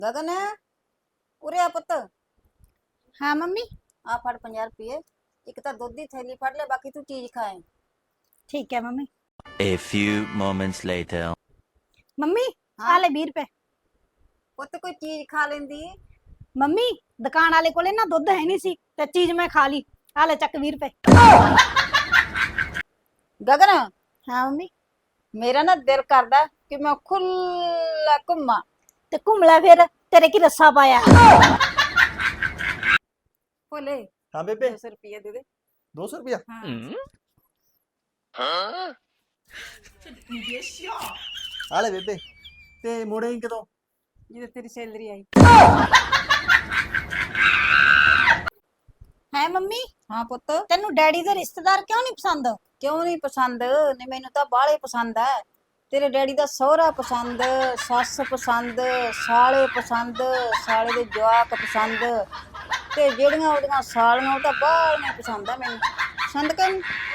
ਗਗਨ ਉਰੇ ਆ ਪੁੱਤ। हाँ मम्मी। ਆ ਫੜ 50 ਰੁਪਏ। ਇੱਕ ਤਾਂ ਦੁੱਧ ਦੀ ਥੈਲੀ ਫੜ ਲੈ, ਬਾਕੀ ਤੂੰ ਚੀਜ਼ ਖਾਏ। ठीक है mummy. A few moments later. Mummy हाँ? आ ले 20 रुपए। ਪੁੱਤ ਕੋਈ ਚੀਜ਼ ਖਾ ਲੈਂਦੀ। मम्मी दुकान वाले कोले ना दुध है नहीं सी ते चीज मैं खा ली। आ ले चक 20 रुपए। ਗਗਨ हाँ मम्मी। ਮੇਰਾ ਨਾ ਦਿਲ ਕਰਦਾ ਕਿ ਮੈਂ ਖੁੱਲਾ ਘੁੰਮਾਂ। ते घूम ले फिर, तेरे की रस्सा पाया। ਭੋਲੇ हाँ बेबे 200 ਰੁਪਏ ਦੇ ਦੇ। 200 रुपया आ ले बेबे ते मोड़े कदों ਜਦੋਂ ਤੇਰੀ ਸੈਲਰੀ ਆਈ। है मम्मी ਹਾਂ ਪੁੱਤ। तेनू डैडी दे रिश्तेदार क्यों नहीं पसंद? ਕਿਉਂ ਨਹੀਂ ਪਸੰਦ? ਨਹੀਂ ਮੈਨੂੰ ਤਾਂ ਬਾਹਲੇ ਪਸੰਦ ਹੈ। ਤੇਰੇ ਡੈਡੀ ਦਾ ਸਹੁਰਾ ਪਸੰਦ, ਸੱਸ ਪਸੰਦ, ਸਾਲੇ ਪਸੰਦ, ਸਾਲੇ ਦੇ ਜਵਾਕ ਪਸੰਦ, ਤੇ ਜਿਹੜੀਆਂ ਉਹਦੀਆਂ ਸਾਲੀਆਂ ਉਹ ਤਾਂ ਬਾਹਲੀਆਂ ਪਸੰਦ ਆ ਮੈਨੂੰ। ਪਸੰਦ ਕਿ ਨਹੀਂ?